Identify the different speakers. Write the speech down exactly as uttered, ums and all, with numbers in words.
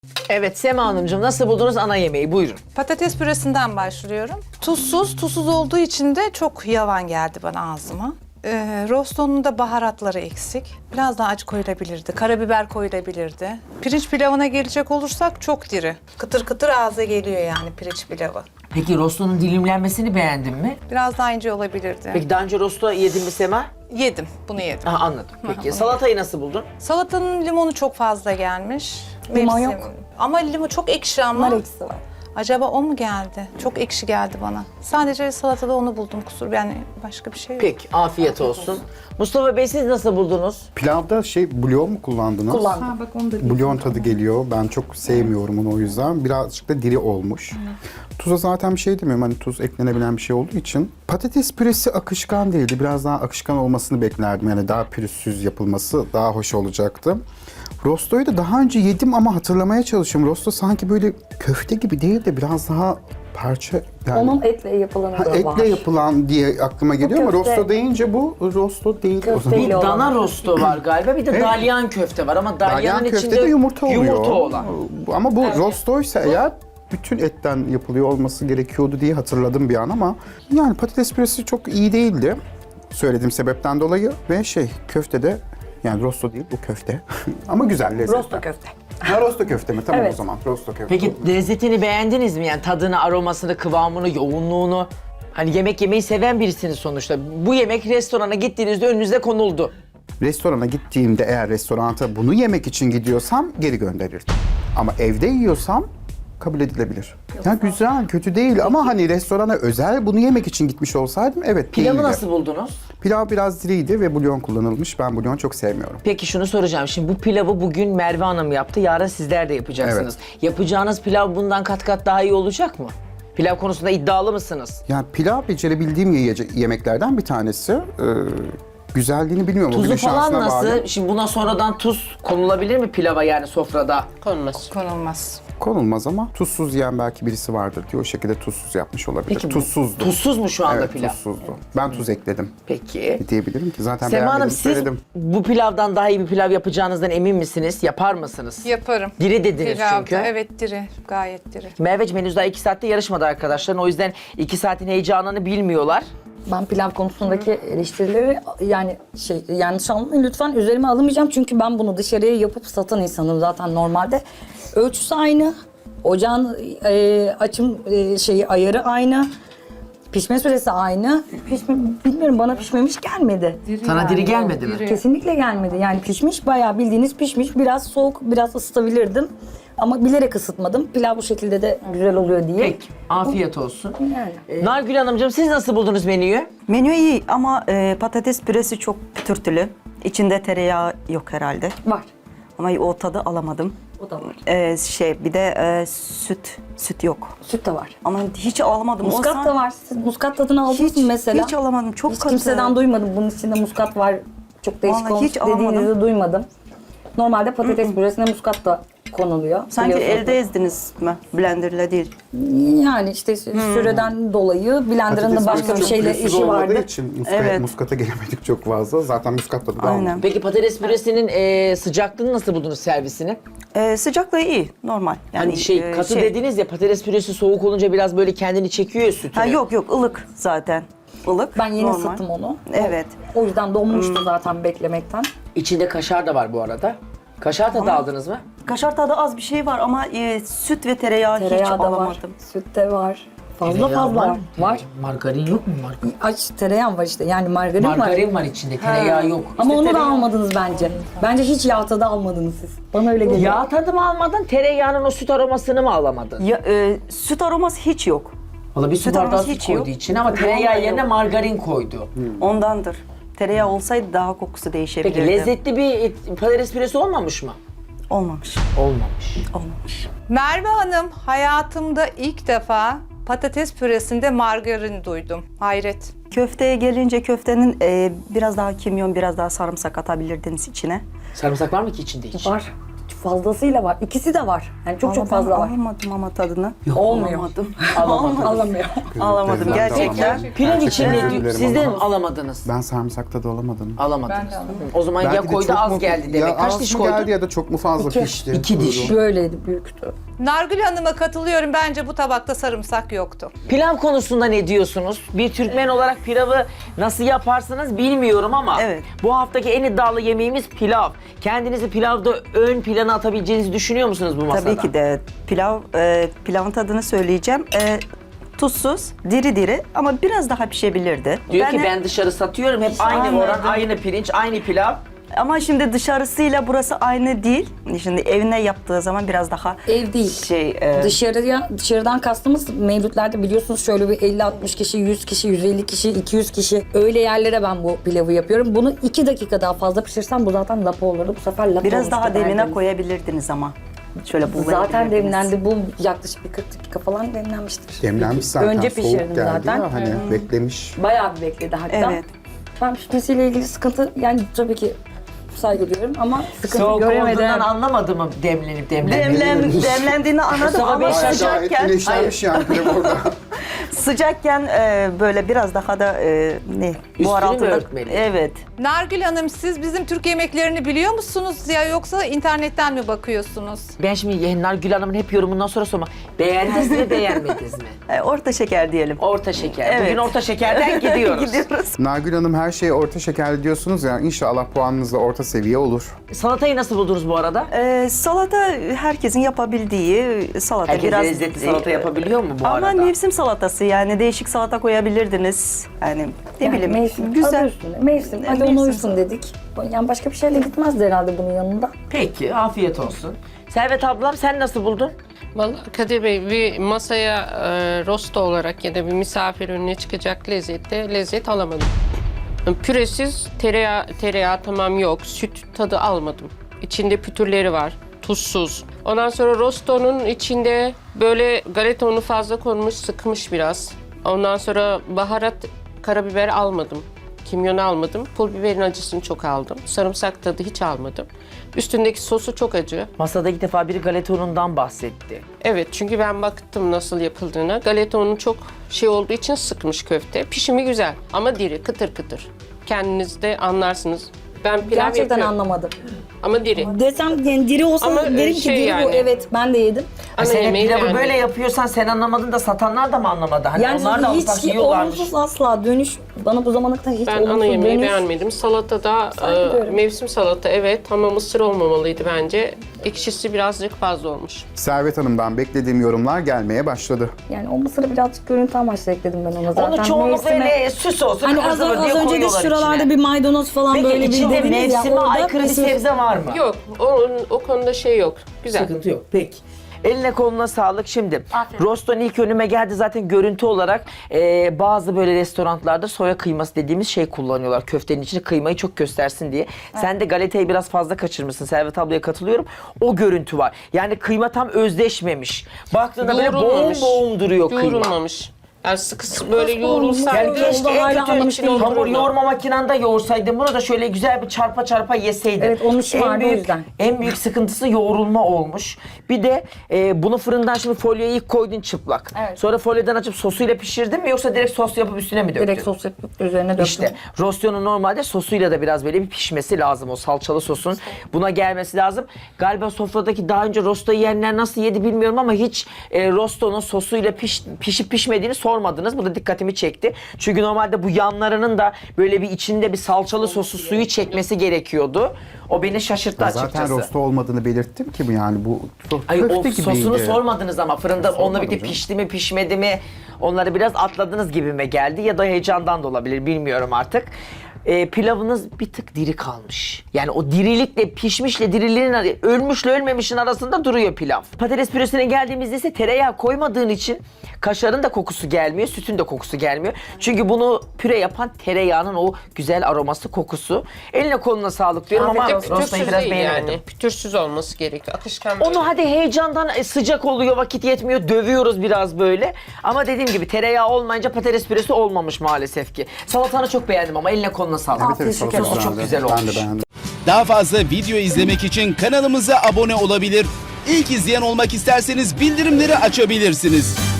Speaker 1: Evet Sema Hanımcığım, nasıl buldunuz ana yemeği? Buyurun.
Speaker 2: Patates püresinden başlıyorum. Tuzsuz, tuzsuz olduğu için de çok yavan geldi bana ağzıma. Ee, rostonun da baharatları eksik. Biraz daha acı koyulabilirdi. Karabiber koyulabilirdi. Pirinç pilavına gelecek olursak çok diri. Kıtır kıtır ağza geliyor yani pirinç pilavı.
Speaker 1: Peki rostonun dilimlenmesini beğendin mi?
Speaker 2: Biraz daha ince olabilirdi.
Speaker 1: Peki daha önce rosto yedin mi Sema?
Speaker 2: Yedim, bunu yedim.
Speaker 1: Aha, anladım. Peki
Speaker 2: bunu
Speaker 1: salatayı nasıl buldun?
Speaker 2: Salatanın limonu çok fazla gelmiş.
Speaker 3: Limon
Speaker 2: Mevsim.
Speaker 3: yok.
Speaker 2: Ama limon çok ekşi ama.
Speaker 3: Nar eksi var.
Speaker 2: Acaba o mu geldi? Çok ekşi geldi bana. Sadece salatada onu buldum kusur. Yani başka bir şey yok.
Speaker 1: Peki afiyet olsun. Mustafa Bey siz nasıl buldunuz?
Speaker 4: Pilavda şey bulyon mu kullandınız?
Speaker 3: Kullandım.
Speaker 2: Ha, bak onu da
Speaker 4: Bulyon tadı geliyor. Ben çok sevmiyorum onu o yüzden. Birazcık da diri olmuş. Tuza zaten bir şey demiyorum. Hani tuz eklenebilen bir şey olduğu için. Patates püresi akışkan değildi. Biraz daha akışkan olmasını beklerdim. Yani daha pürüzsüz yapılması daha hoş olacaktı. Rostoyu da daha önce yedim ama hatırlamaya çalışıyorum. Rosto sanki böyle köfte gibi değil de biraz daha parça... Yani,
Speaker 3: Onun etle yapılanı
Speaker 4: ha,
Speaker 3: da var.
Speaker 4: etle yapılan diye aklıma geliyor ama
Speaker 3: köfte.
Speaker 4: rosto deyince bu rosto değil o
Speaker 3: Köfte
Speaker 4: zaman.
Speaker 1: Bir
Speaker 3: Öyle olan.
Speaker 1: dana rosto var galiba, bir de
Speaker 4: Evet.
Speaker 1: dalyan köfte var ama dalyanın
Speaker 4: Dalyan
Speaker 1: içinde
Speaker 4: köfte de yumurta oluyor.
Speaker 1: yumurta olan.
Speaker 4: Ama bu rostoysa eğer bütün etten yapılıyor olması gerekiyordu diye hatırladım bir an ama yani patates püresi çok iyi değildi. Söylediğim sebepten dolayı ve şey köfte de yani rosto değil bu köfte ama güzel lezzetli.
Speaker 3: Rosto köfte.
Speaker 4: Ha rosto köfte mi? Tamam
Speaker 3: Evet.
Speaker 4: o zaman rosto köfte.
Speaker 1: Peki lezzetini beğendiniz mi? Yani tadını, aromasını, kıvamını, yoğunluğunu. Hani yemek yemeyi seven birisiniz sonuçta. Bu yemek restorana gittiğinizde önünüze konuldu.
Speaker 4: Restorana gittiğimde eğer restoranta bunu yemek için gidiyorsam geri gönderirdim. Ama evde yiyorsam kabul edilebilir. Ya güzel, kötü değil ama hani restorana özel bunu yemek için gitmiş olsaydım evet
Speaker 1: Pilavı
Speaker 4: değildi.
Speaker 1: nasıl buldunuz?
Speaker 4: Pilav biraz diriydi ve bulyon kullanılmış. Ben bulyon çok sevmiyorum.
Speaker 1: Peki şunu soracağım. Şimdi bu pilavı bugün Merve Hanım yaptı. Yarın sizler de yapacaksınız. Yapacağınız pilav bundan kat kat daha iyi olacak mı? Pilav konusunda iddialı mısınız?
Speaker 4: Yani pilav becerebildiğim yiyece- yemeklerden bir tanesi. Ee, güzelliğini bilmiyorum. o
Speaker 1: Tuzu
Speaker 4: günün
Speaker 1: falan
Speaker 4: şansına
Speaker 1: nasıl?
Speaker 4: bağlı.
Speaker 1: Şimdi buna sonradan tuz konulabilir mi pilava yani sofrada?
Speaker 5: Konmaz.
Speaker 2: konulmaz.
Speaker 4: Konulmaz ama tuzsuz yiyen belki birisi vardır diye o şekilde tuzsuz yapmış olabilir.
Speaker 1: Peki bu-
Speaker 4: Tuzsuzdu.
Speaker 1: Tuzsuz mu şu anda
Speaker 4: Evet
Speaker 1: pilav?
Speaker 4: tuzsuzdu. Ben tuz ekledim.
Speaker 1: Peki.
Speaker 4: Diyebilirim ki zaten
Speaker 1: Sema Hanım
Speaker 4: beğenmedim
Speaker 1: siz
Speaker 4: söyledim.
Speaker 1: bu pilavdan daha iyi bir pilav yapacağınızdan emin misiniz? Yapar mısınız?
Speaker 2: Yaparım.
Speaker 1: Diri dediniz
Speaker 2: Pilavda,
Speaker 1: çünkü.
Speaker 2: evet diri. Gayet diri.
Speaker 1: Merveciğim henüz daha iki saatte yarışmadı arkadaşlar. O yüzden iki saatin heyecanını bilmiyorlar.
Speaker 3: Ben pilav konusundaki eleştirileri yani şey yanlış anlamayın lütfen üzerime alamayacağım çünkü ben bunu dışarıya yapıp satan insanım zaten normalde. Ölçüsü aynı, ocağın e, açım e, şeyi ayarı aynı, pişme süresi aynı. Pişme, bilmiyorum bana pişmemiş gelmedi.
Speaker 1: Sana diri gelmedi mi?
Speaker 3: Kesinlikle gelmedi. Yani pişmiş bayağı bildiğiniz pişmiş. Biraz soğuk, biraz ısıtabilirdim. Ama bilerek ısıtmadım. Pilav bu şekilde de güzel oluyor diye.
Speaker 1: Peki. Afiyet olsun.
Speaker 3: Yani.
Speaker 1: Nargül Hanımcığım siz nasıl buldunuz menüyü?
Speaker 6: Menü iyi ama e, patates püresi çok pütürtülü. İçinde tereyağı yok herhalde.
Speaker 3: Var.
Speaker 6: Ama o tadı alamadım.
Speaker 3: O da var.
Speaker 6: E, şey bir de e, süt süt yok.
Speaker 3: Süt de var.
Speaker 6: Ama hiç alamadım.
Speaker 3: Muskat
Speaker 6: Olsa-
Speaker 3: da var. Siz muskat tadını aldınız
Speaker 6: Hiç,
Speaker 3: mı mesela?
Speaker 6: hiç alamadım. Çok
Speaker 3: Hiç
Speaker 6: katı.
Speaker 3: kimseden duymadım. Bunun içinde muskat var. Çok değişik
Speaker 6: Vallahi
Speaker 3: olmuş
Speaker 6: hiç alamadım.
Speaker 3: dediğinizi duymadım. Normalde patates püresine muskat da konuluyor.
Speaker 6: Sanki
Speaker 3: biliyorsunuz.
Speaker 6: elde ezdiniz mi? Blenderla değil.
Speaker 3: Yani işte süreden dolayı blenderın da
Speaker 4: Patates
Speaker 3: başka bir
Speaker 4: püresi
Speaker 3: şeyle
Speaker 4: pürüzsüz
Speaker 3: işi
Speaker 4: olmadığı
Speaker 3: vardı.
Speaker 4: için muska,
Speaker 6: Evet.
Speaker 4: muskata gelemedik çok fazla. Zaten muskat tadı da
Speaker 6: Aynen.
Speaker 4: almadım.
Speaker 1: Peki patates püresinin e, sıcaklığını nasıl buldunuz servisini?
Speaker 6: E, sıcaklığı iyi. Normal. Yani
Speaker 1: Hani şey
Speaker 6: e,
Speaker 1: katı
Speaker 6: şey-
Speaker 1: dediniz ya, patates püresi soğuk olunca biraz böyle kendini çekiyor ya sütüne.
Speaker 6: Ha, yok yok ılık zaten. Ilık.
Speaker 3: Ben yeni
Speaker 6: normal.
Speaker 3: ısıttım onu.
Speaker 6: Evet.
Speaker 3: O yüzden donmuştu zaten beklemekten.
Speaker 1: İçinde kaşar da var bu arada. Kaşar tadı aldınız mı?
Speaker 6: Kaşar tadı az bir şey var ama e, süt ve tereyağı, hiç
Speaker 3: Tereyağı da var.
Speaker 6: alamadım.
Speaker 3: Süt de var. Fazla
Speaker 1: Tereyağı
Speaker 3: fazla var. Var.
Speaker 1: Margarin yok mu? Margarin,
Speaker 3: Aç tereyağı var işte. Yani margarin,
Speaker 1: Margarin
Speaker 3: var.
Speaker 1: var içinde, tereyağı yok.
Speaker 3: Ama
Speaker 1: İşte
Speaker 3: onu da
Speaker 1: tereyağı-
Speaker 3: almadınız bence. Bence hiç yağ tadı almadınız siz. Bana öyle geliyor.
Speaker 1: Yağ tadı mı almadın, tereyağının o süt aromasını mı alamadın?
Speaker 6: Ya, e, süt aroması hiç yok.
Speaker 1: Valla bir su
Speaker 6: Süt
Speaker 1: bardağı
Speaker 6: aroması
Speaker 1: süt
Speaker 6: hiç
Speaker 1: koydu
Speaker 6: yok.
Speaker 1: içine ama tereyağı
Speaker 6: Vallahi
Speaker 1: yerine
Speaker 6: yok.
Speaker 1: margarin koydu.
Speaker 6: Ondandır. Tereyağı olsaydı daha kokusu değişebilirdi.
Speaker 1: Peki lezzetli bir et- patates püresi olmamış mı?
Speaker 6: Olmamış.
Speaker 1: Olmamış.
Speaker 6: Olmamış.
Speaker 2: Merve Hanım, hayatımda ilk defa patates püresinde margarin duydum. Hayret.
Speaker 6: Köfteye gelince köftenin e, biraz daha kimyon, biraz daha sarımsak atabilirdiniz içine.
Speaker 1: Sarımsak var mı ki içinde hiç?
Speaker 3: Var. fazlasıyla var. İkisi de var. Yani çok çok
Speaker 6: Ama ben
Speaker 3: fazla var.
Speaker 6: Alamadım ama tadını.
Speaker 3: Olmuyor.
Speaker 6: Alamadım.
Speaker 3: Alamıyor.
Speaker 6: Alamadım
Speaker 4: Gözlüklerimden de
Speaker 6: gerçekten.
Speaker 4: alamadım.
Speaker 1: Pilav için
Speaker 4: Gerçekten
Speaker 1: ne
Speaker 4: özür
Speaker 1: diyor?
Speaker 4: dilerim
Speaker 1: Siz de
Speaker 4: ama
Speaker 1: mi alamadınız?
Speaker 4: Ben sarımsakta da alamadım.
Speaker 1: Alamadınız. O zaman
Speaker 4: Belki
Speaker 1: ya
Speaker 4: de
Speaker 1: koydu
Speaker 4: çok
Speaker 1: az
Speaker 4: mu-
Speaker 1: geldi demek.
Speaker 4: Ya
Speaker 1: Kaç
Speaker 4: az
Speaker 1: diş
Speaker 4: mı
Speaker 1: koydun?
Speaker 4: geldi ya da çok mu fazla
Speaker 3: İki.
Speaker 4: pişti?
Speaker 1: İki diş.
Speaker 3: Böyleydi, büyüktü.
Speaker 2: Nargül Hanım'a katılıyorum. Bence bu tabakta sarımsak yoktu.
Speaker 1: Pilav konusunda ne diyorsunuz? Bir Türkmen olarak pilavı nasıl yaparsınız bilmiyorum ama
Speaker 6: Evet.
Speaker 1: bu haftaki en iddialı yemeğimiz pilav. Kendinizi pilavda ön plana atabileceğinizi düşünüyor musunuz bu masada?
Speaker 6: Tabii ki de pilav, e, pilavın tadını söyleyeceğim. E, tuzsuz, diri diri ama biraz daha pişebilirdi.
Speaker 1: Diyor ki
Speaker 6: de-
Speaker 1: ben dışarı satıyorum hep aynı
Speaker 6: Anladım.
Speaker 1: oran, aynı pirinç, aynı pilav.
Speaker 6: Ama şimdi dışarısıyla burası aynı değil. Şimdi evine yaptığı zaman biraz daha
Speaker 3: Ev değil.
Speaker 6: şey... e,
Speaker 3: Dışarıya, dışarıdan kastımız mevlütlerde biliyorsunuz şöyle bir elli altmış kişi, yüz kişi, yüz elli kişi, iki yüz kişi öyle yerlere ben bu pilavı yapıyorum. Bunu iki dakika daha fazla pişirsem bu zaten lapa olurdu. Bu sefer lapa
Speaker 6: biraz
Speaker 3: olmuştu
Speaker 6: daha demine
Speaker 3: derdiniz.
Speaker 6: koyabilirdiniz ama. Şöyle buğulayabilirdiniz.
Speaker 3: Zaten demlendi. Bu yaklaşık bir kırk dakika falan demlenmiştir.
Speaker 4: Demlenmiş zaten.
Speaker 3: Önce
Speaker 4: soğuk
Speaker 3: pişirdim
Speaker 4: geldi
Speaker 3: zaten.
Speaker 4: ya hani beklemiş.
Speaker 3: Bayağı bir bekledi hatta.
Speaker 6: Evet.
Speaker 3: Ben pişmesiyle ilgili sıkıntı yani tabii ki saygı duyuyorum ama sıkıntı
Speaker 1: Soğuk
Speaker 3: göremedim.
Speaker 1: olduğundan anlamadı mı demlenip demlenip?
Speaker 6: Demlen, demlendiğini anladım
Speaker 1: Sonra
Speaker 6: ama
Speaker 1: beş
Speaker 4: Bayağı
Speaker 6: sıcakken,
Speaker 4: gayet güneşlenmiş yani pilav orada.
Speaker 6: sıcakken e, böyle biraz daha da e, ne?
Speaker 1: mü
Speaker 6: Buhar altında.
Speaker 1: örtmeli?
Speaker 6: Evet.
Speaker 2: Nargül Hanım siz bizim Türk yemeklerini biliyor musunuz ya yoksa internetten mi bakıyorsunuz?
Speaker 1: Ben şimdi Nargül Hanım'ın hep yorumundan sonra sorma. Beğendiniz mi beğenmediniz mi?
Speaker 6: E, orta şeker diyelim.
Speaker 1: Orta şeker.
Speaker 6: Evet.
Speaker 1: Bugün orta şekerden gidiyoruz.
Speaker 6: Gidiyoruz.
Speaker 4: Nargül Hanım her şeye orta şekerli diyorsunuz ya. İnşallah puanınız da orta seviye olur.
Speaker 1: Salatayı nasıl buldunuz bu arada?
Speaker 6: E, salata herkesin yapabildiği salata.
Speaker 1: Herkes
Speaker 6: biraz
Speaker 1: lezzetli salata yapabiliyor mu bu
Speaker 6: Ama
Speaker 1: arada?
Speaker 6: mevsim salatası yani değişik salata koyabilirdiniz. Yani ne
Speaker 3: Yani
Speaker 6: bileyim
Speaker 3: mevsim, adı
Speaker 6: güzel.
Speaker 3: üstünde. Mevsim, hadi
Speaker 6: Mevsim.
Speaker 3: ona uysun dedik. Yani başka bir şeyle gitmezdi herhalde bunun yanında.
Speaker 1: Peki, afiyet olsun. Servet ablam sen nasıl buldun?
Speaker 5: Vallahi Kadir Bey bir masaya e, rosto olarak ya da bir misafir önüne çıkacak lezzette lezzet alamadım. Püresiz tereyağı, tereyağı tamam yok, süt tadı almadım. İçinde pütürleri var, tuzsuz. Ondan sonra rostonun içinde böyle galeta unu fazla konmuş, sıkmış biraz. Ondan sonra baharat, karabiber almadım. Kimyon almadım. Pul biberin acısını çok aldım. Sarımsak tadı hiç almadım. Üstündeki sosu çok acı.
Speaker 1: Masada ilk defa biri galeta unundan bahsetti.
Speaker 5: Evet çünkü ben baktım nasıl yapıldığına. Galeta unu çok şey olduğu için sıkmış köfte. Pişimi güzel ama diri, kıtır kıtır. Kendiniz de anlarsınız. Ben pilav
Speaker 3: Gerçekten
Speaker 5: yapıyorum
Speaker 3: anlamadım.
Speaker 5: ama diri.
Speaker 3: Desem yani diri olsa
Speaker 5: Ama,
Speaker 3: derim
Speaker 5: e,
Speaker 3: ki
Speaker 5: şey
Speaker 3: diri bu.
Speaker 5: yani-
Speaker 3: Evet ben de yedim.
Speaker 1: Ha,
Speaker 5: Ana
Speaker 1: sen hep
Speaker 5: yemeği
Speaker 1: pilavı
Speaker 5: beğendim.
Speaker 1: böyle yapıyorsan sen anlamadın da satanlar da mı anlamadı? Hani
Speaker 3: Yani
Speaker 1: onlar da ufak
Speaker 3: hiç
Speaker 1: yiyorlarmış.
Speaker 3: olumsuz asla dönüş bana bu zamana kadar hiç
Speaker 5: Ben
Speaker 3: olumsuz
Speaker 5: ana yemeği
Speaker 3: dönüş.
Speaker 5: beğenmedim. Salatada
Speaker 3: Saygı
Speaker 5: e, mevsim salata evet ama mısır olmamalıydı bence. Ekşisi birazcık fazla olmuş.
Speaker 4: Servet Hanım'dan beklediğim yorumlar gelmeye başladı.
Speaker 3: Yani o mısırı birazcık görüntü amaçlı ekledim ben ona zaten.
Speaker 1: Onu çoğunlukla
Speaker 3: Mevsime-
Speaker 1: öyle süs olsun,
Speaker 3: Hani az,
Speaker 1: kıvır
Speaker 3: az
Speaker 1: diye
Speaker 3: önce de
Speaker 1: koyuyorlar
Speaker 3: şuralarda
Speaker 1: içine.
Speaker 3: bir maydanoz falan
Speaker 1: Peki
Speaker 3: böyle bir
Speaker 1: içinde
Speaker 3: dediniz ya.
Speaker 1: mevsime
Speaker 3: orada
Speaker 1: aykırı bir
Speaker 3: mısır-
Speaker 1: sebze var mı?
Speaker 5: Yok o, o konuda şey yok. Güzel.
Speaker 1: Sıkıntı yok. Peki. Eline koluna sağlık. Şimdi roston ilk önüme geldi zaten görüntü olarak e, bazı böyle restoranlarda soya kıyması dediğimiz şey kullanıyorlar. Köftenin içine kıymayı çok göstersin diye. Sen de galetayı biraz fazla kaçırmışsın. Servet ablaya katılıyorum. O görüntü var. Yani kıyma tam özdeşmemiş. Baktığında böyle boğum
Speaker 5: Yoğrulmamış.
Speaker 1: boğum duruyor kıyma.
Speaker 5: Yoğrulmamış. Yani sıkı böyle yoğrulsaydı.
Speaker 1: Yani
Speaker 3: Oldu,
Speaker 1: keşke en
Speaker 3: hala
Speaker 1: kötü
Speaker 3: anlamış değilim.
Speaker 1: hamur yoğurma makinanda yoğursaydın. Bunu da şöyle güzel bir çarpa çarpa yeseydin.
Speaker 3: Evet, onun işi
Speaker 1: En
Speaker 3: vardı o
Speaker 1: büyük-
Speaker 3: yüzden.
Speaker 1: En büyük sıkıntısı yoğrulma olmuş. Bir de e, bunu fırından şimdi folyoya ilk koydun çıplak.
Speaker 3: Evet.
Speaker 1: Sonra folyodan açıp sosuyla pişirdin mi yoksa direkt sos yapıp üstüne mi döktün?
Speaker 3: Direkt sos yapıp üzerine döktüm.
Speaker 1: İşte rostyonun normalde sosuyla da biraz böyle bir pişmesi lazım, o salçalı sosun buna gelmesi lazım. Galiba sofradaki daha önce rosto yiyenler nasıl yedi bilmiyorum ama hiç e, rostonun sosuyla piş, pişip pişmediğini sormadınız. Bu da dikkatimi çekti. Çünkü normalde bu yanlarının da böyle bir içinde bir salçalı sosu suyu çekmesi gerekiyordu. O beni şaşırttı
Speaker 4: Ya
Speaker 1: açıkçası.
Speaker 4: zaten rosto olmadığını belirttim ki bu yani bu
Speaker 1: Ay,
Speaker 4: köfte
Speaker 1: o
Speaker 4: gibiydi.
Speaker 1: sosunu sormadınız ama fırında onunla
Speaker 4: Sormadım
Speaker 1: birlikte
Speaker 4: canım.
Speaker 1: pişti mi pişmedi mi onları biraz atladınız gibime geldi ya da heyecandan da olabilir bilmiyorum artık. Ee, pilavınız bir tık diri kalmış. Yani o dirilikle pişmişle diriliğin ar- ölmüşle ölmemişin arasında duruyor pilav. Patates püresine geldiğimizde ise tereyağı koymadığın için kaşarın da kokusu gelmiyor, sütün de kokusu gelmiyor. Çünkü bunu püre yapan tereyağının o güzel aroması, kokusu. Eline koluna sağlık diyorum ama
Speaker 5: Bir de
Speaker 1: rostayı
Speaker 5: pütürsüz
Speaker 1: biraz
Speaker 5: değil
Speaker 1: beğenemedim.
Speaker 5: yani. Pütürsüz olması gerekiyor. Akışkan böyle.
Speaker 1: Onu hadi heyecandan e, sıcak oluyor, vakit yetmiyor, dövüyoruz biraz böyle. Ama dediğim gibi tereyağı olmayınca patates püresi olmamış maalesef ki. Salatanı çok beğendim ama eline koluna sağlık.
Speaker 4: Evet, evet,
Speaker 3: Teşekkür
Speaker 4: salata
Speaker 1: Sosu çok
Speaker 4: güzeldi.
Speaker 1: güzel
Speaker 4: Ben de
Speaker 1: olmuş.
Speaker 4: beğendim.
Speaker 7: Daha fazla video izlemek için kanalımıza abone olabilir. İlk izleyen olmak isterseniz bildirimleri açabilirsiniz.